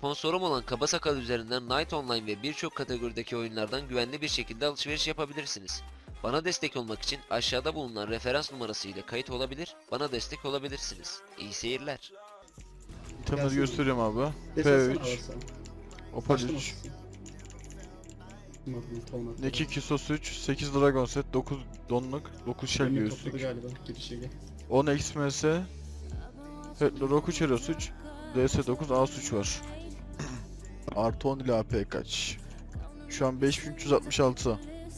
Sponsorum olan Kaba Sakal üzerinden Night Online ve birçok kategorideki oyunlardan güvenli bir şekilde alışveriş yapabilirsiniz. Bana destek olmak için aşağıda bulunan referans numarası ile kayıt olabilir, bana destek olabilirsiniz. İyi seyirler. İtemleri Gelsin. gösteriyorum abi. Desesene P3, alırsa. Opal Başlama 3, sesi. Tamam. Neki 2 sos 3, 8 Dragon set, 9 donluk, 9 shell Önüne topladı göğüslük, galiba girişe gel. 10 XMS, Hetlo Roku Cheros 3, DS 9 As 3 var. Artı 10 ile AP kaç? Şu an 5366.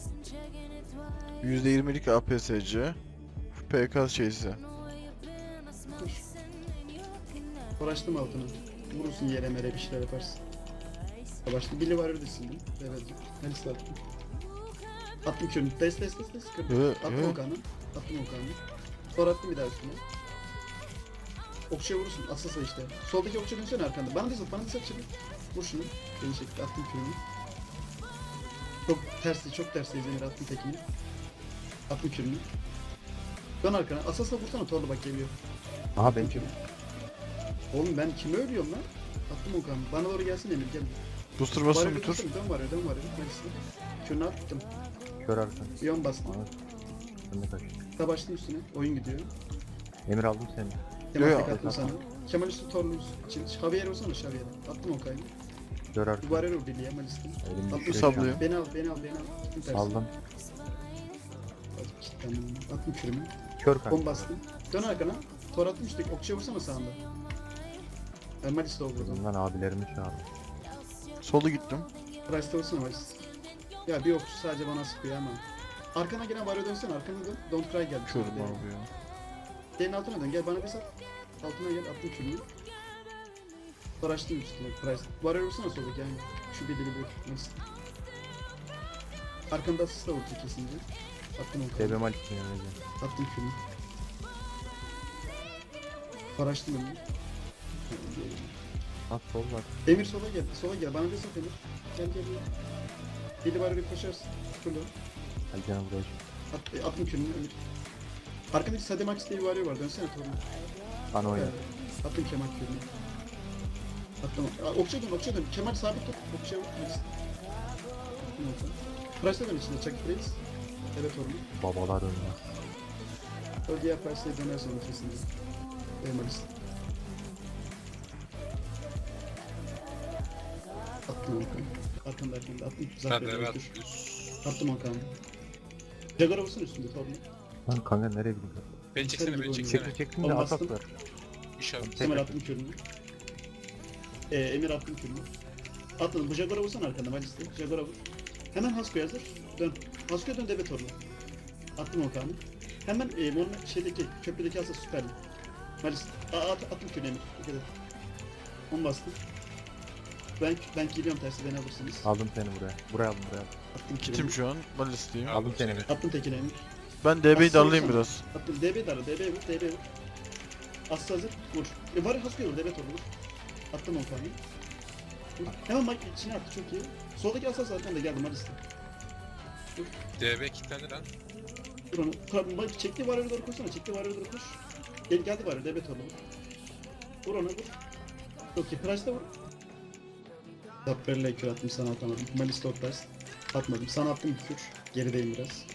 %20'lik APSC. PK şeysi. Koş. Uğraştım altına. Vurursun yere mere bir şeyler yaparsın. Başta bili var öyle sildim. Evet. Hadi sattım. Attım körünü. Des. Kırdım. Attım Okan'ı. Sonra attım bir daha üstüne. Okçuya vurursun. Asılsa işte. Soldaki okçuya dönsene arkanda. Bana da sat şimdi. Vur şunu. Beni çekti. Attım körünü. Çok tersi Emir attım tekini. Attım körünü. Dön arkana. Asılsa vursana torlu bak geliyor. Aha ben Körünü. Oğlum ben kimi ölüyorum lan? Attım Okan'ı. Bana doğru gelsin Emir gel. Booster basın bir tur. Dön var ya. Mersi. Körünü attım. kör arkan. Yon bastım. Aha. Önüne kaç. Tabaştım üstüne. Oyun gidiyor. Emir aldım seni. Kemal Yo, tek attım sana. Kemal üstü torlu için. Javier olsana Javier'e. Attım o kaydı. Kör arkan. Duvarı vur Billy'e Malis'tim. Elim Attım düşüyor Sallıyor. Beni al. Gittim tersi. Aldım. Attım kürümü. Kör kanka. Bomba bastım. Dön arkana. Tor attım işte. Okçuya vursana sağında. Ben Malis'te vurdum. Bundan abilerimi çağırdım. Solu gittim. Price'te vursana Malis. Ya bir okçu sadece bana sıkıyor ama. Arkana gelen var dönsene. Arkana dön. Don't cry geldi. Körüm abi ya. Gelin altına dön. Gel bana bir sat. Altına gel. Attım kürümü. Tor açtım üstüne. Price. Var vursana soldaki yani. Şu bir deli bir. Malis. Arkanda asist da vurdu kesince. Attım onu. TB Malik'in yanına gel. Attım kürünü. Paraştım onu. At sol var. Emir sola gel. Bana bir sat Emir. Gel. Biri var bir koşarsın. Şurada. Hadi canım buraya. Attım kürünü Emir. Arkadaki Sade Max diye bir varıyor var. Dönsene torunu. Bana oyna. Attım Kemal kürünü. Attım. Okçuya dön. Kemal sabit tut. Okçuya vur. Price'la dön içinde. Chuck Price. Evet torunu. Babalar önüne. O diğer Price'la dönersen kesinlikle. Emalist. Attım Okan'ı. Arkanda. Attım. Zaten evet. Attım Okan'ı. Jaguar'a vursun üstünde torunu. Lan kanka nereye gidiyorsun? Beni çeksene, beni Çekil, çeksene. Çektim de Onu atak bastım. ver. İnşallah. Kemal attım kürünü. Emir attım kürünü. Atladım. Bu Jaguar'a vursana arkanda Malis'te. Jaguar'a vur. Hemen Hasko'ya hazır. Dön. Hasko'ya dön debe torunu. Attım Okan'ı. Hemen şeydeki köprüdeki asıl süperli. Malis. Attım kürünü Emir. Dikkat et. Onu bastım. Ben geliyorum tersi beni alırsınız. Aldım seni buraya. Buraya aldım. Attım Kitim kürünü. şu an. Balistiyim. Aldım seni Emir. Attım tekine Emir. Ben DB'yi Aslı darlayayım vursana. biraz. Attım DB darla. DB vur. Aslı hazır. Vur. Var ya Hasko'ya vur. DB torunu vur. Attım Okan'ı. Vur. Hemen Mike içine attı çok iyi. Soldaki asas zaten de geldi Malis'te. DB kilitlendi lan. Dur onu. Bak çekti var doğru koşsana. Doğru koş. Geldi var DB torunu. Vur ona vur. Çok iyi. Price'da vur. Zapper'le kür attım sana atamadım. Malis'te Price. Atmadım. Sana attım bir kür. Gerideyim biraz.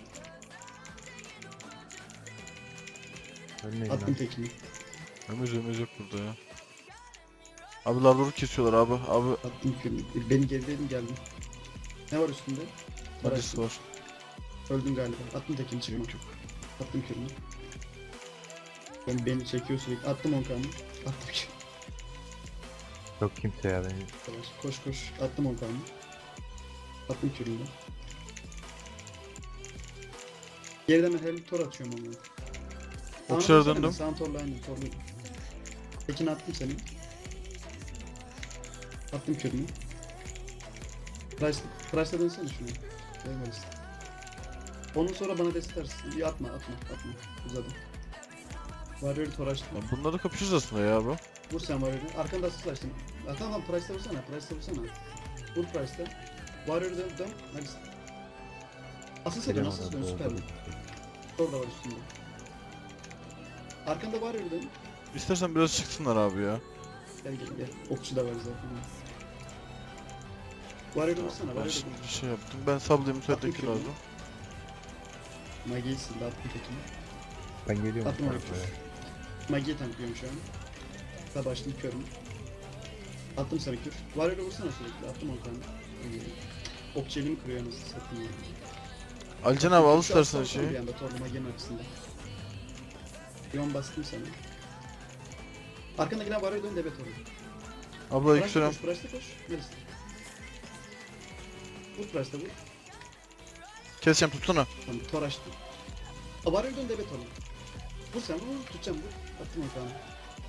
Ölmeyin Attım lan. tekini. Ömüz yok burada ya. Abi larduru kesiyorlar abi. Abi Attım kürünü. Beni gerideydim geldim. Ne var üstünde? Balist var. Öldüm galiba. Attım tekini çıkma. Yok. Attım kürünü. Beni çekiyor sürekli. Attım 10 kanı. Attım kürünü. Yok kimse ya beni. Koş. Attım 10 kanı. Attım kürünü. Geriden ben her tor atıyorum onu. Okçulara döndüm. Sağın torla aynı torlu. Tekini attım seni. Attım kürünü. Price'la dönsene şunu. Eyvallah. Onun sonra bana desteklersin. İyi atma. Uzadım. Warrior'ı tor açtım. Lan bunlarla kapışırız aslında ya abi. Vur sen Warrior'ı. Arkanda asist açtım. Tamam Price'la vursana. Vur Price'la. Warrior'ı dön. Hadi. Asist edin. Asist dön. Süper. Tor da var üstünde. Arkanda Warrior'ı dön. İstersen biraz çıksınlar abi ya. Gel. Okçu da var zaten. Varyo'da vursana. Ben Varyo'da şimdi vur. bir şey yaptım. Ben sablayayım müsaadeki Attım lazım. Magi'yi sildi. Attım tekini. Ben geliyorum. Atma bu oraya. tarafa ya. Magi'yi tanklıyorum şu an. Daha başladım körüm. Attım sana kür. Varyo'da vursana sürekli. Attım 10 tane. Ok cebini kırıyor anasını satayım ya. Alican abi al Şu istersen aslan şeyi. Bir anda torlu Magi'nin arkasında. Yon bastım sana. Arkandakine Varyo'ya dön debe torlu. Abla ilk Price'da sürem. koş. Price'da koş. Neresi? Vur Price'da vur. Keseceğim tutsana. Tamam tor açtım. Varyo'ya dön debe torlu. Vur sen vur. Tutacağım vur. Attım 10 tane.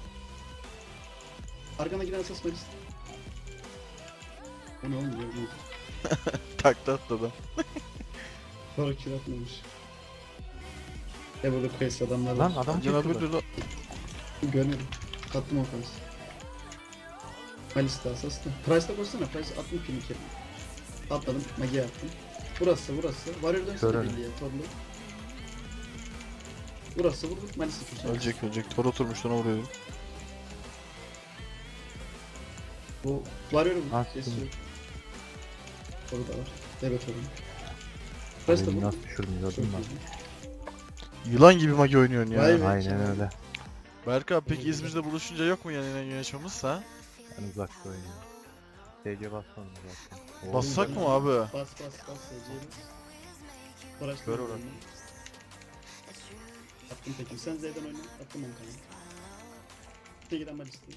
Arkana giren asas Maris. O ne oğlum diyor bu. Taktı atladı. Sonra kür atmamış. Burada quest adamlar Lan var. adam Alican abi çıktı. dur lan. Görmedim. Attım o kansı. Malis'te asas da. Price'da koşsana. Price attım kimi kere. Atladım. Magi'ye attım. Burası. Warrior dönsene Görelim. birliğe. Torlu. Burası vur. Malis'i köşe. Ölecek. Tor oturmuş ona vuruyorum. Bu Warrior'u vur. Attım. Kesiyor. Toru da var. Evet torun. Price'da Beni vur. nasıl düşürdün Çok gördün mü? iyi. Yılan gibi magi oynuyorsun ya. Vay be. Aynen öyle. Berk abi peki İzmir'de buluşunca yok mu yani yönetmemiz ha? Ben uzakta oynuyorum. TC basmadım zaten. Oo, Bassak mı abi? Bas. Seyirciye bas. Uğraştım. Ver oradan. Attım peki. Sen Z'den oyna. Attım 10 kanı. Teki'den Malis'te.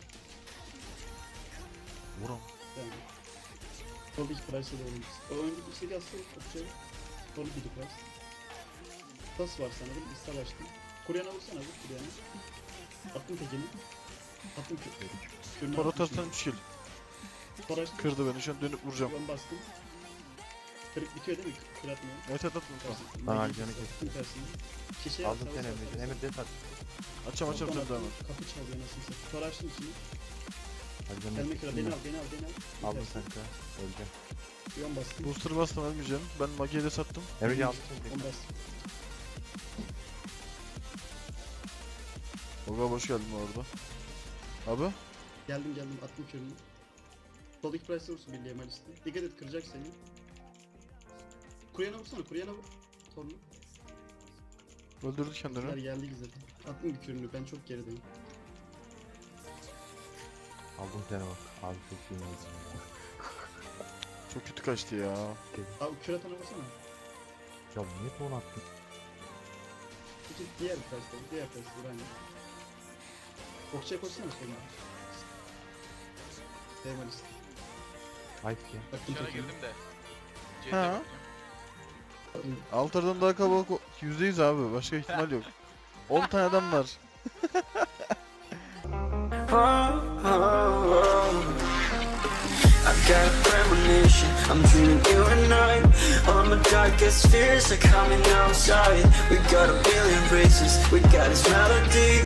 Vuram. Yani. Soldaki Price'e de oynamışsın. O öndeki istediği aslında okçaya. Sol bir Price. Tas var sana değil mi? İsta başladım. Kuryana vursana vur Kuryana. Attım tekini. Attım kürünü. Tor atarsan 3 kill. Tor açtım. Kırdı beni şu an dönüp vuracağım. Ben bastım. Kırık bitiyor değil mi? Kır atmıyor. Evet atma. Lan Alican'ı kestim. Şişeye Aldım seni Emre'cim. Emre des at. Açacağım sen devam et. Kapı çalıyor nasıl satayım. Tor açtım içini. Alican'ı Gelme kıra beni kestim. al. Aldım kanka. Öleceğim. Yon bastım. Booster bastım ölmeyeceğim. Ben magiye de sattım. Emre'cim aldım seni. Yon bastım. Oga hoş geldin bu arada. Abi? Geldim attım kürünü. Soldaki Price'e vursun birliğe Malis'te. Dikkat et kıracak seni. Kuryana vursana vur. Torlu. Öldürdü Güzel kendini. geldi güzel. Attım bir kürünü ben çok gerideyim. Aldım seni bak. Abi çok iyi oldu. Çok kötü kaçtı ya. Abi kür atana vursana. Ya niye ton attın? Peki diğer Price'de vur aynı. Okçaya koşsana sonra. Malis'te. Ayıp ya. Attım Dışarı tekini. girdim de. Ha? Altar'dan daha kalabalık %100 abi. Başka ihtimal yok. 10 tane adam var. I got a premonition, I'm dreaming you and I. All my darkest fears are coming outside. We got a billion races, we got this melody.